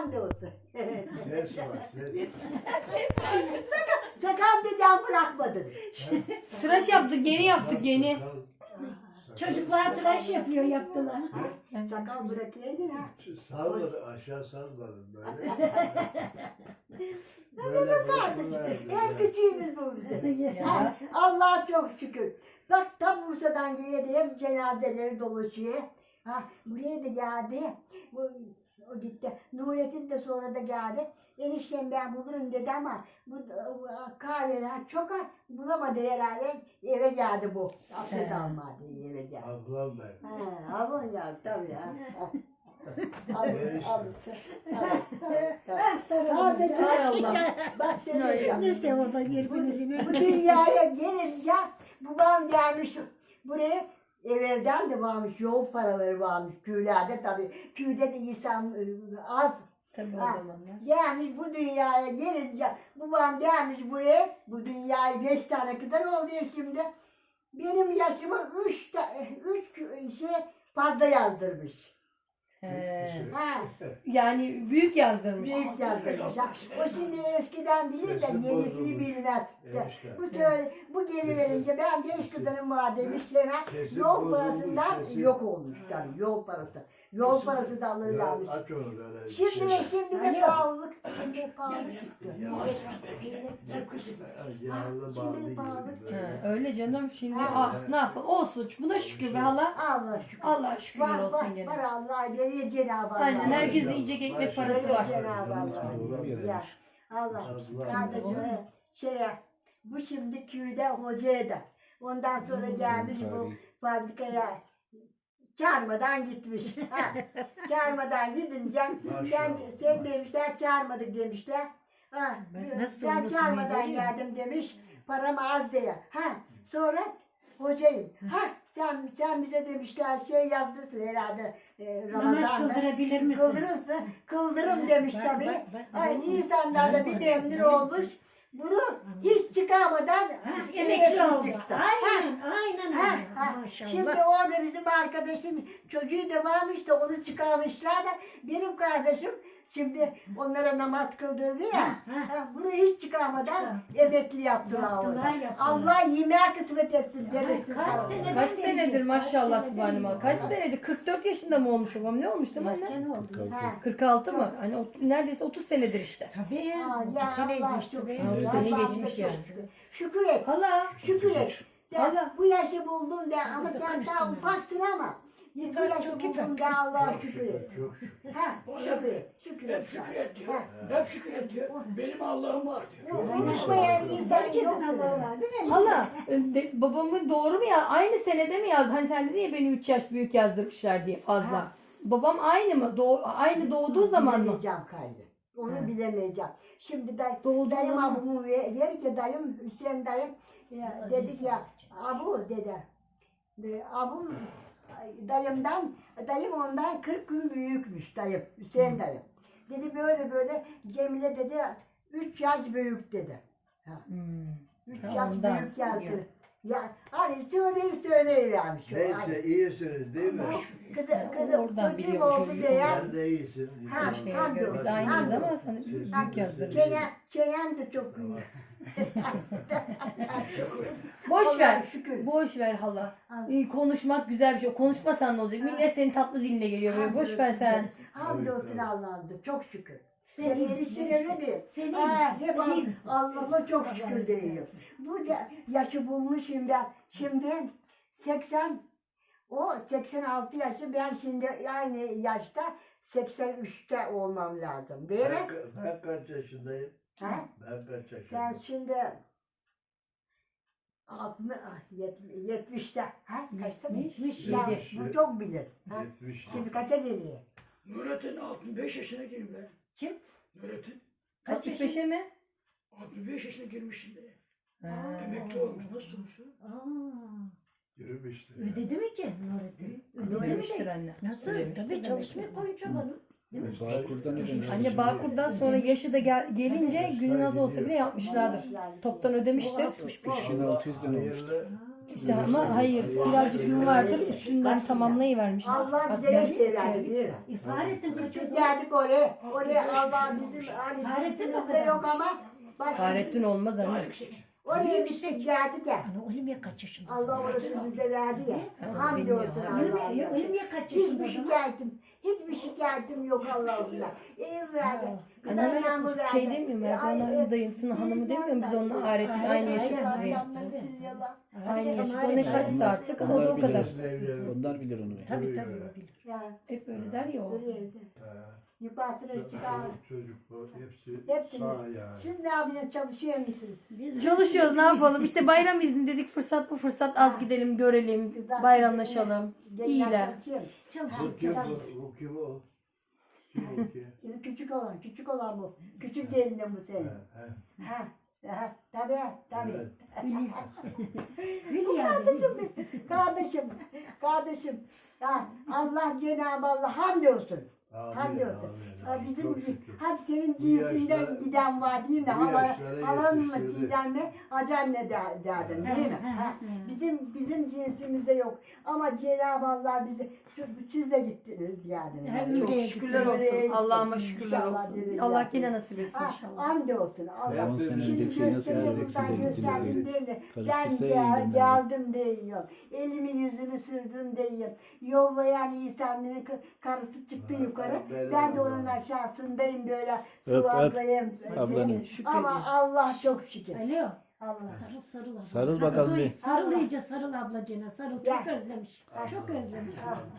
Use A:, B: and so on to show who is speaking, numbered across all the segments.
A: Hamdolsun.
B: Ses var, ses.
A: Sakal dedem bırakmadın.
C: Tıraş yaptık, yeni yaptık, yeni.
D: Çocuklar tıraş yapıyor, yaptılar.
A: Sakal bırakaydın ha.
B: Salmadı, aşağı salmadım böyle.
A: Kardeşim, en küçüğümüz bu bizim.
C: Ya.
A: Allah'a çok şükür. Bak tam Bursa'dan geliyor diye hep cenazeleri dolaşıyor. Ha, buraya da geldi. O gitti. Nurettin de sonra da geldi. Eniştem ben bulurum dedi ama bu kahveler çok bulamadı herhalde. Eve geldi bu. Abdest almadı eve geldi.
B: Ablam ben.
A: Ha, abon ya tabii ya. Kardeşim,
C: Hay Allah.
A: bak dedim.
D: Ne sevaba birbirinizin.
A: Bu dünyaya gelince babam gelmiş buraya evvelden de varmış yoğun paraları varmış köylerde tabii köyde de insan az
C: Tabii o
A: Ha.
C: zamanlar.
A: gelmiş bu dünyaya gelince babam gelmiş buraya bu dünyaya 5 tane kadar oluyor şimdi benim yaşımı 3 şey fazla yazdırmış. Ha.
C: Yani büyük yazdırmış.
A: Büyük yazdırmış. Ha. O şimdi eskiden bilir de
B: Sesim
A: yenisini
B: bozulmuş.
A: bilmez.
B: Enişte.
A: Bu geliverince ben 5 kızlarım var demişler.
B: Sesim
A: Yol
B: bozulmuş,
A: parasından
B: sesim.
A: yok olmuş tabii yol parası. Yol parası da alırlarmış.
B: Aç onu böyle.
A: Şimdi de
D: Alo.
A: pahalılık, şimdi de pahalılık çıktı.
B: Yağlı bağlı gibi
C: Ha,
B: böyle.
C: öyle canım şimdi
A: Ha.
C: ne yapalım olsun buna şükür be hala.
A: Allah şükür.
C: Allah şükürler
A: Var
C: olsun gene.
A: var Allah veriyor Cenab-ı Allah.
C: Aynen herkesin
B: Maşallah,
C: yiyecek ekmek
B: maşallah.
C: parası var.
A: Cenab-ı Allah. Ya, Allah. Kardeşim bu şimdi köyde hocaya da. Ondan sonra gelmiş bu fabrikaya çağırmadan gitmiş. Ha, çağırmadan gidince sen demişler çağırmadık demişler. Ha,
D: Ben nasıl
A: ben
D: unutmayı
A: çağırmadan
D: görüyorum.
A: geldim demiş. Param az diye. Ha, sonra hocayım. Ha, sen bize demişler şey yazdırsın herhalde
D: Namaz
A: Ramazan'da.
D: kıldırabilir misin?
A: Kıldırırsın. Kıldırım demiş
D: Bak,
A: tabii.
D: bak, bak.
A: Ay, insanlarda bir demir olmuş. Bunu hiç çıkamadan
D: Emekli oldu.
A: çıktı.
D: Aynen, aynen
A: Ha,
D: öyle.
A: ha.
D: Maşallah.
A: Şimdi orada bizim arkadaşım çocuğu da varmış da onu çıkarmışlar da benim kardeşim şimdi onlara namaz kıldırdı ya.
D: Ha, ha.
A: Ha, bunu hiç çıkarmadan emekli yaptılar
D: Yaptılar,
A: orada.
D: yaptılar.
A: Allah yemeğe kısmet etsin.
D: Ay,
A: verirsin
D: kaç
A: falan.
D: sene-
C: Kaç
D: Neden
C: senedir
D: bilmiyoruz?
C: maşallah
D: Kaç
C: subhanallah. Kaç senedir? 44 yaşında mı olmuş babam? Ne olmuş değil mi anne?
D: Ne oldu?
A: Ha.
C: 46 mı? Hani neredeyse 30 senedir işte.
D: Tabii ya.
A: Ha,
D: Bir seneydi
A: Allah
D: işte
A: çok
D: be.
A: şükür.
C: 30 sene
A: Allah'a
C: geçmiş
A: çok
C: yani.
A: şükür. Şükür et.
C: Hala.
A: Şükür et. De,
C: Allah.
A: bu yaşı buldun de ama sen daha
D: karıştırma.
A: ufaksın ama bu
D: İfak
A: yaşı
D: çok
A: buldun
D: ifak.
A: de Allah'a şükür et.
B: Çok şükür.
A: Ha, şükür et. Şükür
E: Hep
A: et.
E: şükür et diyor.
A: Ha.
E: Hep şükür et diyor. Benim Allah'ım var diyor.
A: Unutmayan insan
D: Herkesin
A: yoktur.
D: Allah'ı var değil mi?
C: Hala babamın doğru mu ya? Aynı senede mi yazdı? Hani sen dedin ya beni 3 yaş büyük yazdırmışlar diye fazla.
A: Ha.
C: Babam aynı mı? Aynı doğduğu zaman mı?
A: Bilemeyeceğim kaydı. Onu
C: Ha.
A: bilemeyeceğim. Şimdi
C: Doğduğu
A: dayım
C: zaman.
A: abimı verirken dayım Hüseyin dayım dedik ya abu dede. Abim dayım ondan 40 gün büyükmüş dayım Hüseyin dayım. Dedi böyle Cemile dedi 3 yaş büyük dedi.
C: Hmm.
A: 3
C: Ha,
A: yaş
C: ondan.
A: büyük geldi. Ya hani söyleyivermiş.
B: Neyse iyisiniz değil mi?
A: Kızım
C: Oradan
A: çocuğum
C: biliyorum.
A: oldu diye.
B: Sen de iyisin.
A: Ha,
C: Biz aynıyız ama sana büyük yazdırmış.
A: Çenem de çok büyük.
C: Boş
A: Allah'a
C: ver.
A: şükür.
C: Boş ver hala.
A: Allah.
C: Konuşmak güzel bir şey. Konuşmasan ne olacak? Millet senin tatlı diline geliyor böyle. Boş ver sen.
A: Hamdolsun Allah'ımıza çok şükür.
D: Sen
A: Ben
D: iyi
A: erişim
D: misin?
A: öyle değil.
D: Sen iyi
A: Ha,
D: misin?
A: hep
D: Sen iyi misin?
A: Allah'ıma çok
D: Allah
A: şükür
D: razı
A: diyor.
D: olsun.
A: Bu da yaşı bulmuşum ben. Şimdi 86 yaşı ben şimdi aynı yaşta 83'te olmam lazım değil mi?
B: Ben kaç yaşındayım?
A: Ha?
B: Ben kaç
A: Sen
B: yaşındayım?
A: şimdi 70'te. Ha? Kaçta?
D: 70.
A: Ya,
C: Yedi.
A: bu çok bilir. Ha?
B: 70.
A: Şimdi kaça geliyor?
E: Nurettin 65 yaşına girdi ben.
D: Kim?
E: Nurettin
C: 65'e mi?
E: 65 yaşına girmiş şimdi.
C: Ha.
E: Emekli olmuş. Nasıl olmuş o?
D: Aa,
B: Yürümüştür.
D: ödedi mi ki Nurettin? Ödedi mi
C: Ödemiştir
D: de?
C: anne.
D: Nasıl?
C: Ödemiştir
D: Tabii
C: demek
D: çalışmaya
C: ki.
D: koyacak onu. Değil mi?
F: Bağkur'dan ödemiş.
C: Anne Bağkur'dan sonra yaşı da gelince günün az olsa bile yapmışlardır. Toptan ödemiştir.
D: 65.
F: 3600 lira olmuştu.
B: Hayırlı
C: İşte ama hayır birazcık yün vardır üstünden tamamlayıvermiş.
A: Allah bize
C: Aslında-
A: her şey verdi değil mi?
D: Fahrettin
A: Biz
D: kaçıyorsun.
A: geldik oraya. Oraya Allah bizim hani
D: Fahrettin o
A: bizimizde
D: kadar.
A: yok ama bak
C: Fahrettin olmaz
E: Daha
C: anne.
E: yüksek.
A: oraya gittik geldik ya.
D: Ana Olivia kaç yaşında?
A: Allah orası bize verdi ya. Hamdolsun Allah'a.
D: Olivia kaç
A: Hiçbir
D: yaşında?
A: hiçbir şikayetim yok Allah'ımla. İyi verdi. Bir
C: Anne,
A: tane bu verdi.
C: şey demiyor mu? Erdoğan'ın dayısının hanımı demiyor mu? Biz onunla Aret'in aynı yaşıtız diye. Aynı yaşıt. O ne kaçsa artık o da o kadar.
F: Onlar bilir onu.
D: Tabii tabii o bilir.
A: Ya
C: Hep öyle der ya o.
A: duruyor evde. Yukarısına çıkar.
B: Çocuk bu hepsi
A: Hepsini.
B: sağ yani.
A: Siz ne yapıyorsunuz? Çalışıyor musunuz?
D: Biz
C: Çalışıyoruz ne yapalım? İşte bayram izni dedik fırsat bu fırsat az gidelim görelim bayramlaşalım. İyiler.
B: Bu kim bu? Bu kim o? Kim o ki?
A: Küçük olan bu. Küçük gelinim bu
B: He,
A: senin.
B: he.
A: Tabii.
B: Evet.
D: Bil yani.
A: Kardeşim. Ha, Allah Cenab-ı Allah hamdolsun.
B: Amin,
A: Hamdolsun.
B: amin,
A: Ha,
B: amin.
A: bizim
B: Çok şükür.
A: hadi senin
B: Bu
A: cinsinden
B: yaşlara-
A: giden var değil mi?
B: bu
A: Hala
B: yaşlara
A: halan mı
B: yetiştirdi.
A: diyeceğim mi? Hacı anne derdin değil mi? Ha, bizim cinsimizde yok. Ama Cenab-ı Allah bizi siz de gittiniz yani.
D: Ha,
C: Çok
D: öyle.
C: şükürler olsun. Allah'ıma şükürler
A: İnşallah
C: olsun.
A: dedim
C: Allah
A: ya.
C: yine nasip etsin
A: Ha,
C: inşallah.
A: hamdolsun. Allah.
F: 10 sene
A: Şimdi
F: önceki şey nasıl
A: gösteriyor
F: geldik,
A: buradan
F: siz de
A: gösterdim
F: gittiniz
A: değil mi? Ben
F: Karıştırsa iyiydim ben de.
A: geldim diyor. Elimi yüzümü sürdüm diyor. Yollayan İsa'nın karısı çıktı yukarı. Ben de onun aşağısındayım böyle sıvadayım.
F: Ablanı.
A: Ama Allah çok şükür.
D: Alo.
A: Allah.
D: Sarıl abla.
F: Sarıl bakalım
D: Hadi
F: bir.
D: Sarıl iyice sarıl ablacığına. Sarıl çok
A: Gel.
D: özlemiş. Çok özlemiş.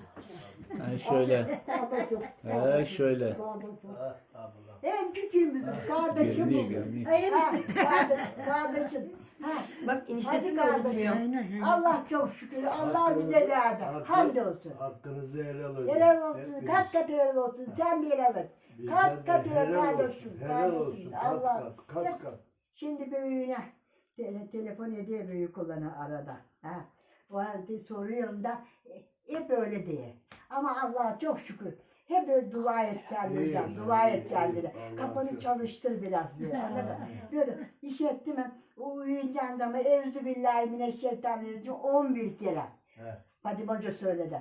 F: Ha, şöyle.
A: Allah çok.
F: Ha, şöyle.
B: Ah, abla.
A: En küçüğümüzüz kardeşim
F: Görünüyor
A: bu.
F: görünüyor.
D: Hayır
A: Ha,
D: işte.
A: kardeşim. Ha,
C: Bak eniştesi
A: hadi
C: kabul
A: kardeşim.
C: etmiyor.
A: Allah çok şükür. Allah bize verdi. Hamdolsun.
B: Hakkınızı helal edin.
A: Helal olsun.
B: Hepiniz.
A: Kat kat helal olsun. Sen de helal et.
B: Bizden
A: Kat
B: de
A: kat helal
B: helal
A: kardeşim.
B: olsun. Helal olsun. Kat
A: Allah.
B: kat.
A: Şimdi büyüğüne telefon ediyor büyük olanı arada. Ha. O arada soruyorum da hep öyle diye. Ama Allah'a çok şükür. Hep böyle dua et kendine.
B: İyi,
A: Dua
B: iyi,
A: et kendine.
B: iyi.
A: Kafanı
B: Allah
A: çalıştır biraz böyle. Anladın mı? Böyle iş etti mi? O uyuyacağın zaman Euzubillahimineşşeytanirracim 11 kere.
B: He.
A: Fadime Hoca söyledi.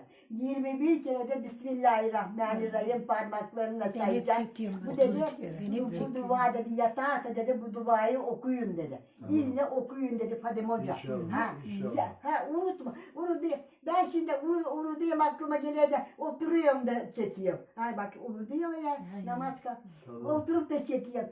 A: 21 kere de Bismillahirrahmanirrahim parmaklarına
D: Ben hep
A: sayacak.
D: çekiyorum.
A: Bu dedi,
D: Ben hep
A: bu
D: çekiyorum.
A: dua dedi, yatağa dedi, bu duayı okuyun dedi. İlle okuyun dedi Fadime Hoca.
B: İnşallah,
A: Ha,
B: inşallah.
A: ha, unutma. Onu diye, ben şimdi onu diyeyim aklıma geliyor da oturuyorum da çekiyorum. Hay bak onu diyor ya,
D: Aynen.
A: namaz kıl.
B: Tamam.
A: Oturup da çekiyorum.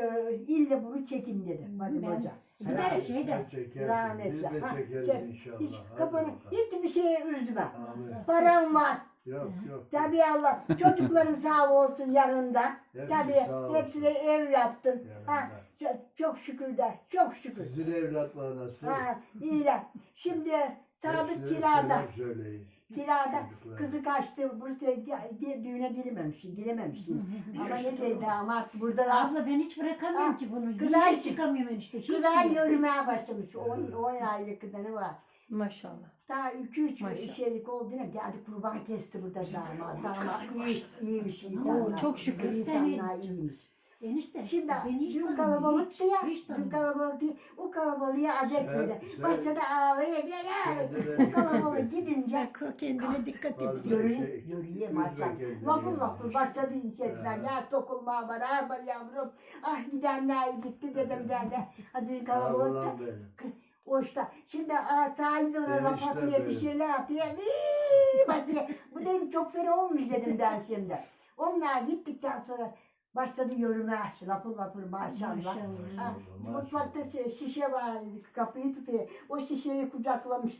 A: İlle bunu çekin dedi Fadime
D: Ben-
A: Hoca.
D: Bir de şey de.
B: Sen çekersin.
A: Rahmetli.
B: Biz de
A: Ha,
B: çekeriz
A: çek.
B: inşallah.
A: Hiç,
B: Hadi
A: kafanı,
B: bakalım.
A: hiçbir şeye üzme.
B: Amin.
A: Param var.
B: Yok yok.
A: Tabii Allah. Çocukların sağ olsun yanında.
B: Hepsi
A: Tabii
B: sağ olsun.
A: hepsine ev yaptın. Ha,
B: Yanında.
A: çok şükür de. Çok şükür.
B: Sizin evlatlar nasıl?
A: Ha, iyiler. Şimdi Sadık
B: Hepsine
A: kirada.
B: selam söyleyin.
A: Kirada
B: Çocuklar.
A: kızı kaçtı. Bursa'ya düğüne girememiş. Ama ne dedi damat burada
D: Abla ben hiç bırakamıyorum
A: Ha,
D: ki bunu.
A: kızar
D: Hiç çıkamıyorum ben işte. Hiç
A: kızlar
D: bile.
A: yürümeye başlamış. 10 aylık kızları var.
C: Maşallah.
A: Daha 2-3
C: Maşallah.
A: şeylik olduğuna geldi kurban kesti burada damat. Damat iyiymiş
C: Oo,
A: insanlar.
C: çok şükür.
A: İnsanlar iyiymiş.
D: Enişte.
A: Şimdi
D: beni hiç
A: dün
D: tanımıyor,
A: kalabalıktı ya.
D: Hiç
A: Dün
D: tanımıyor.
A: kalabalıktı. O kalabalığa acayip
B: Sen-
A: böyle.
B: sen-
A: Başladı ağlaya.
B: Kendine
A: O kalabalık gidince
D: Kendine dikkat et.
A: yürüye maşallah. Lapur lapur başladı inşaatlar. Ya sokulma var. Arba yavrum. Ah gidenler gitti dedim ben de. Hadi dün kalabalıkta.
B: Allah'ım benim.
A: O işte şimdi sahilde ona laf
B: Enişte
A: atıyor bir
B: benim.
A: şeyler atıyor. Bakıyor. Bu dedim çok fena olmuş dedim ben şimdi. Onlar gittikten sonra başladı yürüme. Lapur lapur maşallah.
D: Maşallah.
A: Ha,
B: Maşallah.
A: mutfakta şişe var, kapıyı tutuyor. O şişeyi kucaklamış.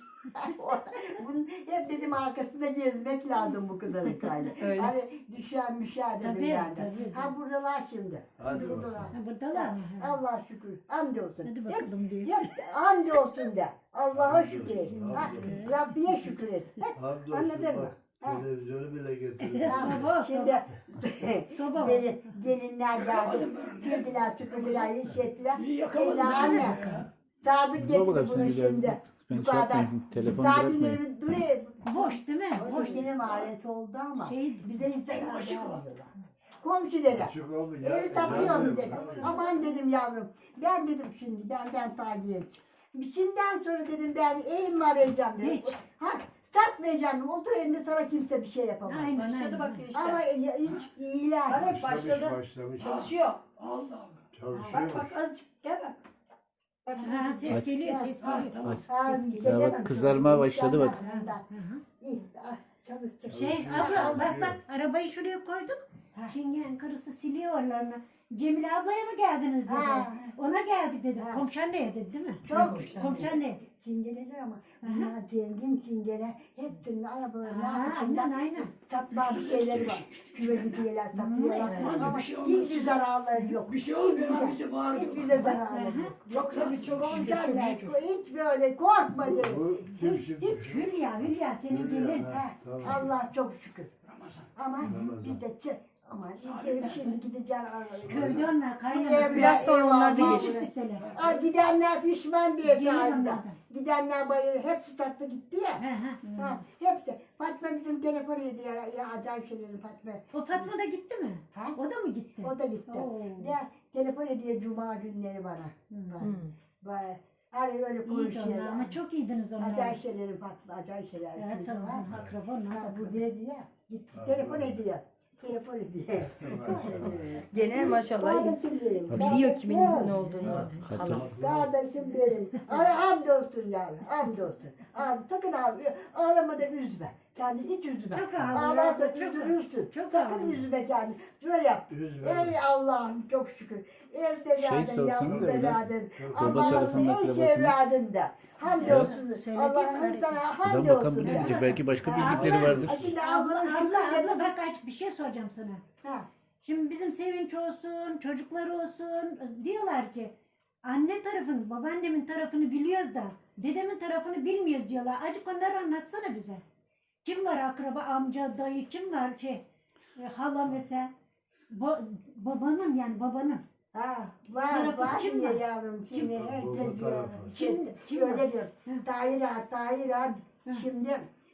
A: Bunun hep dedim arkasında gezmek lazım bu kadarı kaydı.
C: Öyle.
A: Hani düşen müşah dedim
D: Tabii,
A: ben de.
D: tabii.
A: Ha buradalar şimdi.
B: Hadi
A: Buradalar.
B: bakalım.
D: Ha, buradalar mı? Ha.
A: Allah şükür. Hamdolsun.
D: Hadi bakalım diyor.
A: Hep hamdolsun de. Allah'a
B: Hamdolsun,
A: şükür et. Ha,
B: hamdolsun.
A: Rabbiye şükür et.
B: Hamdolsun
A: Anladın mı?
B: bak.
A: Ha.
B: Televizyonu bile getirdim.
D: Soba,
A: Şimdi
D: Soba var.
A: gelinler geldi. Sildiler, süpürdüler, iş ettiler.
E: İyi yakaladım.
A: Şimdi anne. Sadık
F: Dur
A: getirdi
F: bakalım
A: bunu
F: sen gidelim.
A: şimdi.
F: Ben şey
A: Yukarıdan.
F: yapmayayım. Telefon
A: Sadık'ın
F: bırakmayın.
A: evi duruyor.
D: Boş değil mi?
A: Boş
D: Boş.
A: yine mahallesi oldu ama
D: Şey,
A: bize hiç zarar
E: açık o.
A: vermiyorlar. Komşu dedi.
B: Açık olmuyor.
A: Evi satıyorum dedi. Aman dedim yavrum. Ben dedim şimdi benden takiye. Şimdiden sonra dedim ben evimi arayacağım dedim.
D: Hiç.
A: Ha, satmayacağım. Otur elinde sana kimse bir şey yapamaz.
D: Aynen.
C: Başladı bak
A: Ama
C: işte.
A: hiç iyiler.
C: Bak başladı.
B: Başlamış.
C: Çalışıyor.
E: Allah Allah.
B: Çalışıyor.
C: Bak azıcık gel bak. Bak şimdi
D: Ha,
C: ses
D: ses geliyor, ses
A: Ha,
D: geliyor.
E: Tamam.
A: ha,
D: Ses
A: bir
F: Ya bak,
A: demem.
F: kızarmaya başladı bak.
A: İnşallah. İyi, çalışsın.
D: Şey
B: Çalışıyor,
D: abla bak
B: çalışıyor.
D: bak arabayı şuraya koyduk.
A: Ha.
D: Çingen karısı siliyor oralarını. Cemile ablaya mı geldiniz dedi.
A: Ha.
D: Ona geldik dedi.
A: Ha.
D: Komşaneye dedi değil mi?
A: Çok
D: Komşaneye dedi.
A: çingeneler ama bunlar zengin çingene. Hepsinin arabalarının
D: Ha,
A: arkasında
D: aynen, aynen.
A: satma bir şeyleri var. Küve gidiyorlar, satıyorlar.
E: Aman
A: Ama
E: bir şey olmaz.
A: hiçbir zararları yok.
E: Bir şey olmuyor ama bize bağırıyor.
A: Hiçbir zararları yok.
E: Çok rahat.
A: Çok
E: Şükür, çok
A: olacak.
E: şükür.
A: Hiç böyle korkma derim.
B: Bu kim şimdi?
D: Hülya senin
B: Hülya,
D: gelin.
B: ha,
A: Ha,
B: tamam.
A: Allah çok şükür.
E: Ramazan.
A: Ama
B: Ramazan.
A: biz de ama gidelim şimdi gideceğim.
D: Köyde onlar
A: Ev-
D: kaynanası.
C: Biraz sonra onlar
A: ev-
C: bilir.
D: Gittiler.
A: Aa, gidenler pişman diye
D: Gelir
A: çağırdı.
D: onlardan.
A: Gidenler bayır hepsi tatlı gitti ya.
D: He, he.
A: Ha, hepsi. Fatma bizim telefon ediyor ya acayip şeyleri Fatma.
D: O Fatma da gitti mi?
A: Ha?
D: O da mı gitti?
A: O da gitti.
D: Oo.
A: Ya telefon ediyor cuma günleri bana.
C: Hmm.
A: Bana. Hani öyle
D: İyiydi
A: konuşuyor.
D: onlar ama çok iyiydiniz onlar.
A: Acayip şeyleri Fatma, acayip şeyler.
D: Evet tamam.
A: Ha,
D: Akraba
A: ha,
D: onlar.
A: bu dedi ya. Gitti telefon ediyor. Telefon ediyor.
C: Gene maşallah iyi.
A: Kardeşim benim.
C: Biliyor kimin ne olduğunu.
F: Hatır.
C: Hala.
A: Kardeşim benim. Hamdolsun yavrum. Hamdolsun. Sakın ağlama da üzme. Kendini hiç üzme.
D: Çok ağlıyor,
A: Ağlarsa
D: çok
A: üzülürsün.
D: çok
A: Sakın
D: ağlıyor.
A: üzme kendini. Şöyle yap.
B: Üzme.
A: Ey Allah'ım çok şükür. Evde verdin,
F: sorsanıza
A: yavrum
F: öyle.
A: verdin.
F: Baba
A: Allah'ım
F: telefonla
A: ey
F: akrabasına.
A: şey verdin de. Hamdolsun.
D: Söyledi
A: Allah'ım
D: mi?
A: sana
F: Adam bakalım
A: hamdolsun.
F: bu ne
A: ya.
F: diyecek? Belki başka bildikleri vardır.
A: Şimdi
D: Abla,
A: abla
D: abla bak aç bir şey soracağım sana.
A: Ha.
D: Şimdi bizim Sevinç olsun, çocukları olsun diyorlar ki anne tarafını, babaannemin tarafını biliyoruz da dedemin tarafını bilmiyoruz diyorlar. Acık onları anlatsana bize. Kim var akraba, amca, dayı, kim var hala mesela. Babanın yani babanın.
A: Ha, var
D: Tarafı
A: var
D: kim
A: diye
D: var?
A: yavrum.
D: Kim?
A: Şimdi
B: Baba
A: herkes
B: tarafı.
D: Kim
A: öyle
D: var?
A: diyor.
D: Hı.
A: Tahir ağa. Şimdi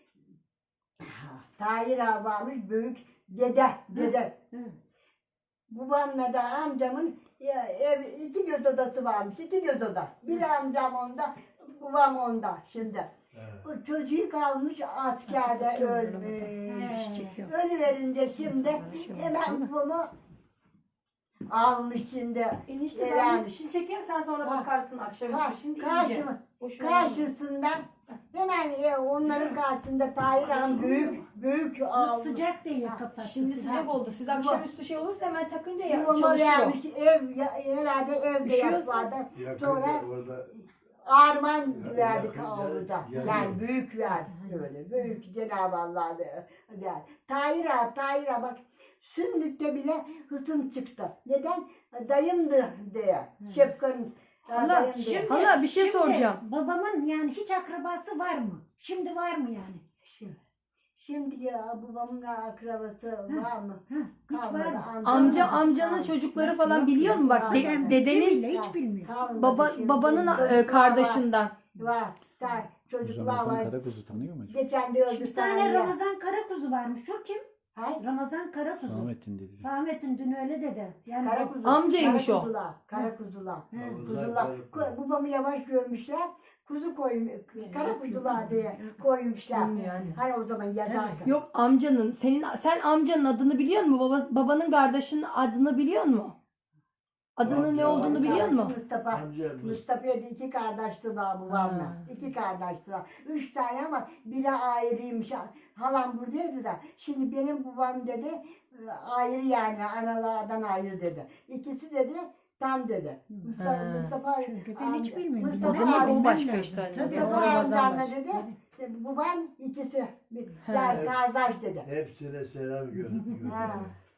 A: Tahir ağa varmış büyük dede.
D: Hı.
A: Babamla da amcamın ev iki göz odası varmış. İki göz oda. Bir amcam onda, babam onda şimdi. O çocuğu kalmış askerde ölmüş.
C: Çekiyor.
A: Ölüverince şimdi hemen babamı almış şimdi.
C: Enişte
A: Eren.
C: ben bir fişini çekeyim sen sonra
A: Ha.
C: bakarsın akşam şimdi iyice.
A: Karşısından hemen onların karşısında Tahir Han büyük almış.
D: Sıcak değil kapattı.
C: Şimdi sıcak oldu. Siz akşamüstü şey olursa hemen takınca ya
A: Yuvama
C: çalışıyor.
A: vermiş herhalde evde
C: Üşüyorsa-
A: yapmadı.
B: Yakında
A: Sonra
B: orada
A: arman
B: Ya-
A: verdik
B: yakın-
A: avluda.
B: ya-
A: Yani büyük verdi böyle. Büyük Cenab-ı Allah verdi. Tahir Ağa bak Sündük'te bile hısım çıktı. Neden? Dayımdı diye. Şefka'nın
C: Hala,
A: dayım diye.
D: Şimdi-
C: Hala bir şey
D: Şimdi
C: soracağım.
D: Babamın yani hiç akrabası var mı? Şimdi var mı yani?
A: Şimdi ya babamın akrabası var mı?
D: Hiç var
A: Kalmadı.
D: mı?
C: Amcanın çocukları falan biliyor mu? Bak
A: Yok.
C: dedenin
D: Cemile hiç bilmiyor.
A: Kalmadı şimdi.
C: babanın
A: Çocuklar
C: kardeşinden.
A: Var. Çocuklar
F: Ramazan
A: var.
F: Karakuzu tanıyor mu?
A: Geçen de öldü
D: Bir tane
A: saniye.
D: Ramazan Karakuzu varmış. O kim?
A: Hay?
D: Ramazan Karakuzu.
F: Ahmet'in dedi.
D: Ahmet'in dün öyle dedi. Yani
A: Karakuzu.
C: Amcaymış o.
A: Karakuzular.
D: Hı.
A: Kuzular. Babamı yavaş görmüşler. Kuzu koymuş. Karakuzular diye koymuşlar.
C: Yani.
A: Hani o zaman yazarken.
C: Yok amcanın. Sen amcanın adını biliyor musun? Babanın kardeşinin adını biliyor musun? Adının ne olduğunu biliyor musun?
A: Mustafa.
B: amca
A: Mustafa'ya da iki kardeştiler babamla.
C: Ha.
A: İki kardeştiler. 3 tane ama biri ayrıymış. Halam buradaydı da. Şimdi benim babam dedi ayrı yani analardan ayrı dedi. İkisi dedi tam dedi. Mustafa
D: Çünkü ben hiç bilmiyorum.
C: O zaman
A: abi,
C: bu başka
D: bilmem
C: işte.
D: lazım.
C: Tabii,
D: Tabii.
C: o Ramazan
A: amcanla
C: başka.
A: dedi. Babam ikisi.
C: Ha.
A: Yani kardeş dedi.
B: hepsine selam gönder.
A: Ha.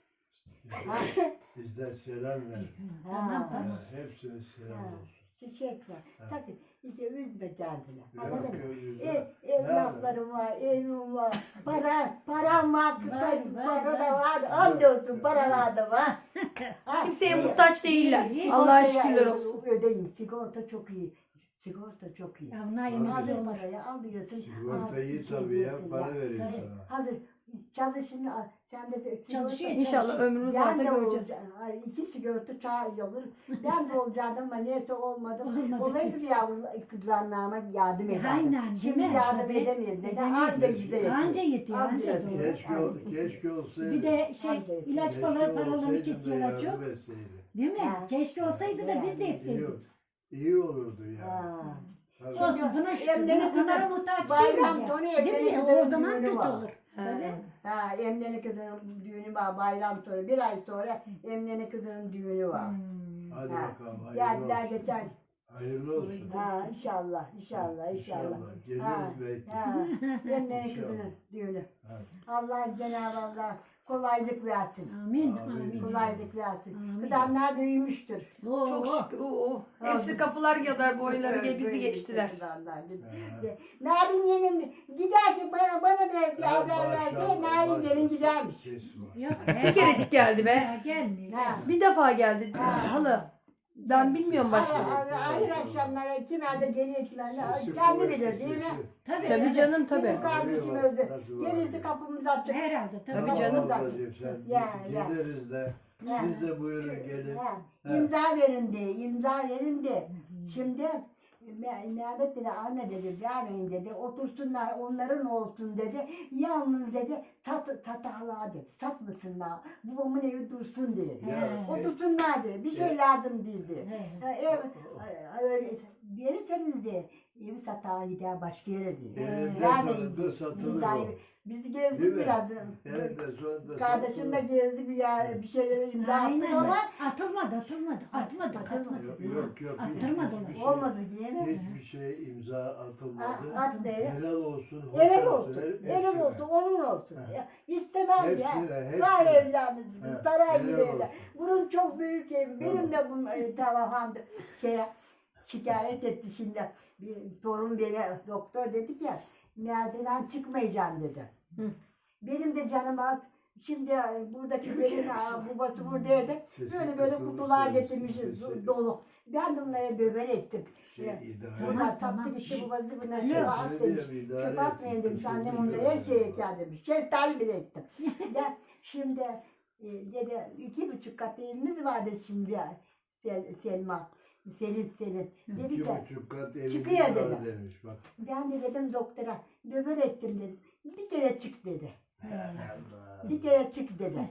B: Bizden selam ver.
A: Ha.
B: Hepsine selam
A: Ha.
B: olsun.
A: Çiçek var. Sakın işte üzme kendini.
B: Yok,
A: Anladın mı?
B: yok, üzme.
A: Evlatlarım var, evim var, param var,
D: Var,
A: para da
D: var.
A: var, hamdolsun paralar da var. Ha,
C: Kimseye muhtaç değiller.
A: sigortaya
C: Allah'a şükürler olsun.
A: Ödeyin, sigorta çok iyi. Sigorta çok iyi.
D: Ya bunlar yemek
A: Hazır
D: olur.
A: parayı alıyorsun.
B: Sigorta
A: ağzını
B: iyi tabii ya,
A: çekiyorsun
B: para
A: ya.
B: veriyor
D: Tabii.
B: sana.
A: Hazır çalışın, sen de
D: Çalışıyor.
C: İnşallah ömrümüz varsa
A: ben de
C: göreceğiz.
A: İki sigorta çağ olur. Ben de olacaktım ama neyse olmadım.
D: Olmadı
A: Olaydı
D: kız.
A: bir yavru kızlarına yardım ederdim.
D: Aynen, değil
A: Şimdi
D: mi?
A: yardım
D: Tabii.
A: edemeyiz. Neden?
D: Edemeyiz.
A: Anca bize yetiyor.
D: Anca yetiyor,
A: Anca
D: anca
A: yetiyor.
D: doğru.
B: Keşke olsaydı.
D: Bir de şey
A: Anca
D: ilaç
B: Keşke
D: paralarını
B: olsaydı da
D: kesiyorlar çok.
B: yardım etseydi.
D: Değil mi?
A: Ha.
D: Keşke olsaydı da biz de
B: İyi,
D: etseydik.
B: iyi olurdu ya.
A: Ha.
B: Tabii.
D: Olsun buna şükür.
A: Emre'nin
D: Bunlara
A: kızı
D: muhtaç
A: bayram
D: değiliz
A: sonu
D: ya. Değil
A: Emre'nin
D: mi?
A: kızının
D: O zaman
A: düğünü
D: kötü
A: var.
D: olur. Tabii.
A: Ha, Emre'nin kızının düğünü var bayram sonra. Bir ay sonra Emre'nin kızının düğünü var.
B: Hadi
A: Ha.
B: bakalım. Hayırlı
A: Geldiler
B: olsun.
A: geçen.
B: Hayırlı olsun.
A: Ha, inşallah.
B: İnşallah. Geliriz belki.
A: Ha, Emre'nin kızının düğünü.
B: Ha.
A: Allah Cenab-ı Allah kolaylık versin.
D: Amin.
B: Amin.
D: Amin.
A: Kolaylık versin.
D: Amin.
A: Kızanlar büyümüştür.
D: Oo.
C: Çok şükür. Hepsi kapılar kadar boyları bizi geçtiler.
A: Narin gelin gider ki bana da haber verse Narin gelin gidermiş.
B: Ses var.
D: Yok,
C: Bir kerecik geldi be.
D: Ya, gelmiyor.
A: Ha.
C: Bir defa geldi. Halı. Ben bilmiyorum başka.
A: Hayır akşamlara kimerde geliyor kimerde
B: Sesi
A: kendi
B: kuvvetli,
A: bilir değil mi?
B: sesi.
D: Tabii.
C: Tabii canım tabii.
A: Benim kardeşim
B: Arıyor,
A: öldü.
B: nasıl var
A: Gelirse
B: diye.
A: kapımızı açacak.
D: Herhalde. Tabii.
C: Tabii canım.
B: Ablacığım sen
A: Ya, ya.
B: gideriz de
A: Ya.
B: siz de buyurun gelin.
A: Ha,
B: Ha.
A: İmza verin de, imza verin de. Şimdi Mehmet dedi, anne dedi, vermeyin dedi, otursunlar, onların olsun dedi. Yalnız dedi, satarlar dedi, satmasınlar, babamın evi dursun dedi.
B: Ya,
A: Otursunlar dedi, bir şey
B: Evet.
A: lazım değil dedi.
D: He.
A: Ha, ev, öyle verirseniz de evi satar gider başka yere diye.
B: Elinde
A: Vermeyin
B: sonunda
A: diye.
B: satılır
A: İmzayı-
B: o.
A: Biz
B: Değil
A: gezdik
B: mi?
A: biraz.
B: Elinde sonunda
A: Kardeşim de
B: satılır.
A: gezdi bir şeylere imza attık
D: Aynen.
A: ama
D: Atılmadı. Atmadı.
B: Yok.
D: Attırmadı
B: hiçbir şey-
A: olmadı diye mi?
B: Hiçbir şey imza atılmadı.
A: At değil.
B: Helal olsun. hoş
A: Helal olsun.
B: hepsine.
A: Helal olsun. Onun olsun.
B: Ha.
A: Ya, istemem ya.
B: Hepsine,
A: Daha
B: hepsine.
A: evlenmiş.
B: Ha,
A: Saray gibi
B: helal
A: evlen.
B: olsun.
A: Bunun çok büyük evi. Benim de bu tamam hamdı. Şikayet etti şimdi. Bir torun beni doktor dedi ki merdiven çıkmayacaksın dedi. Benim de canım az. Şimdi buradaki benim babası buradaydı.
B: Sesi
A: Böyle
B: kısılmış,
A: kutular
B: sesi
A: getirmişiz
B: sesi.
A: dolu. Ben de bunları döver ettim.
B: Şey, idare
A: Bunlar
B: et.
A: sattı gitti babası bunları
B: Sesini
A: şöyle at demiş.
B: diyorum, idare
A: Çöp
B: et.
A: atmayın demiş. Annem
B: Kısılmış
A: onları her
B: biraz.
A: şeye eker demiş. Şeftali bile ettim. Ya şimdi dedi 2,5 kat evimiz vardı şimdi Selma. Selin. Dedi ki
B: 2,5 kat evimiz
A: çıkıyor
B: var
A: dedi.
B: demiş bak.
A: ben de dedim doktora döver ettim dedim. Bir kere çık dedi.
B: Allah.
A: Bir kere çık dedi.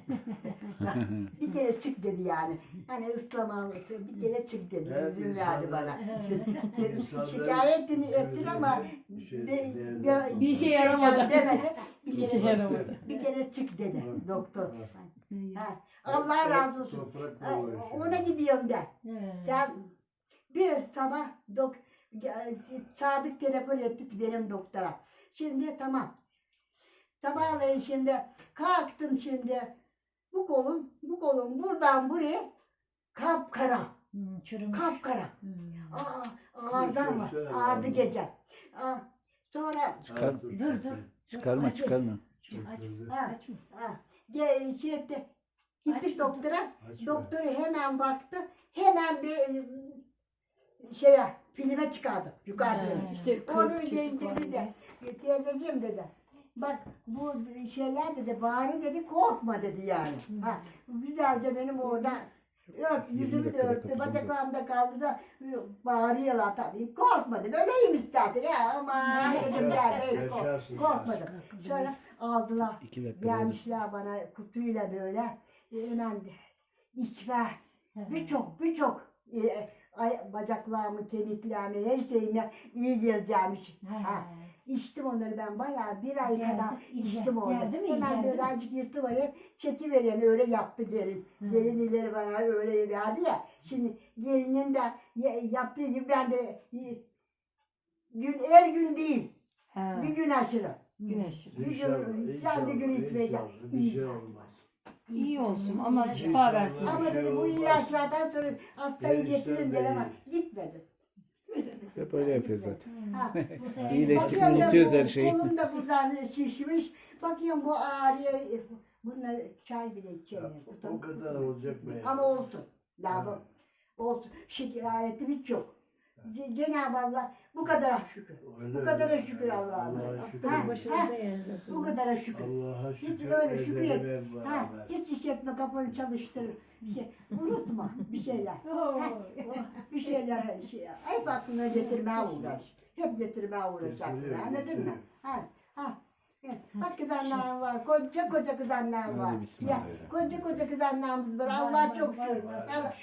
A: Bir kere çık dedi yani. Hani ıslamam bir kere çık dedi.
B: Evet,
A: İzin verdi
B: insanlar-
A: bana.
B: İnsanların
A: Şikayetini ettin ama
B: gözünde
C: Bir şey yaramadı.
A: demedi.
C: Bir şey yaramadı.
A: Bir kere çık dedi
B: Evet.
A: doktor.
B: Evet.
A: Ha, Allah razı olsun.
B: Toprakla
A: Ha,
B: uğraşıyor.
A: ona gidiyorum ben.
D: He.
A: Sen bir sabah Sadık telefon etti benim doktora. Şimdi tamam. Sabahleyin şimdi kalktım şimdi. Bu kolum buradan buraya kapkara.
D: Çürümüş.
A: Kapkara. Ağırdı ama.
B: Şöyle
A: Ağırdı
B: var.
A: gece. Sonra
F: Çıkar.
D: Dur.
F: Çıkarma
D: Aç.
F: çıkarma.
D: Açma.
A: şey etti. Gittik
D: Açma.
A: doktora.
B: Açma.
A: Doktoru hemen baktı. Hemen bir şeye filme çıkardı. Yukarıda.
C: İşte
A: Onu
C: kırk
A: dedi de. Teyzeciğim dedi. Bak bu şeyler dedi bari dedi korkma dedi yani. Ha, güzelce benim orada yüzümü de
F: dakikada
A: örttü,
F: kapatacağım
A: bacaklarımda kaldı da bağırıyorlar tabii. Korkma dedi. Öyleyim istersen ya ama dedim yerde
B: Yaşarsın.
A: korkmadım. Sonra aldılar.
F: 2 dakika.
A: Gelmişler bana kutuyla böyle hemen içme. Birçok bacaklarımı, kemiklerimi, her şeyime iyi geleceğimiş. Ha. İçtim onları ben bayağı bir ay
D: Geldi,
A: kadar
D: iyi
A: içtim
D: geldi.
A: orada.
D: Geldi mi, iyi
A: Hemen
D: geldi mi?
A: birazcık yırtıverip çekivereyim öyle yaptı gelin. Gelin ileri bana öyle verdi ya. Şimdi gelinin de yaptığı gibi ben de her gün değil. Bir gün aşırı.
C: Güneş.
A: Sen bir gün içmeyeceksin.
B: Bir şey olmaz.
C: İyi olsun ama şifa versin.
A: Ama
B: şey
A: dedi bu
B: olmaz.
A: ilaçlardan sonra hastayı
B: Gençler
A: getirin
B: de
A: dedi ama
B: iyi.
A: gitmedim.
F: Hep öyle yapıyor zaten.
A: Ha.
F: İyileştik,
A: Bakıyorum da
F: unutuyoruz
A: bu
F: her şeyi.
A: Kolum da buradan şişmiş. Bakıyorum bu ağrıyor. Bunlar çay bile
B: Ya,
A: içemiyor.
B: o kadar olacak mı?
A: Ama olsun. Daha bu olsun. Şikayetim hiç yok. Cenab-ı Allah bu kadar şükür.
B: Öyle
A: Bu kadara
B: öyle.
A: şükür Allah'a.
B: Allah'a şükür.
A: Ha,
G: Başınızda yani.
A: Bu kadara şükür.
B: Allah'a
A: Hiç
B: şükür.
A: öyle şükür et.
B: edelim hep
A: Ha,
B: beraber.
A: hiç iş etme, kafanı çalıştır. Bir şey, unutma bir şeyler. Ha, bir şeyler, hep aklına getirmeye uğraş. Hep getirmeye uğraş aklına,
B: Getiriyor,
A: anladın mı?
B: getiriyor.
A: Ha. Bak kızanlar var, koca koca kızanlar var.
F: Hadi bismillah.
A: Ya, koca koca kızanlarımız var, Allah çok şükür. Allah,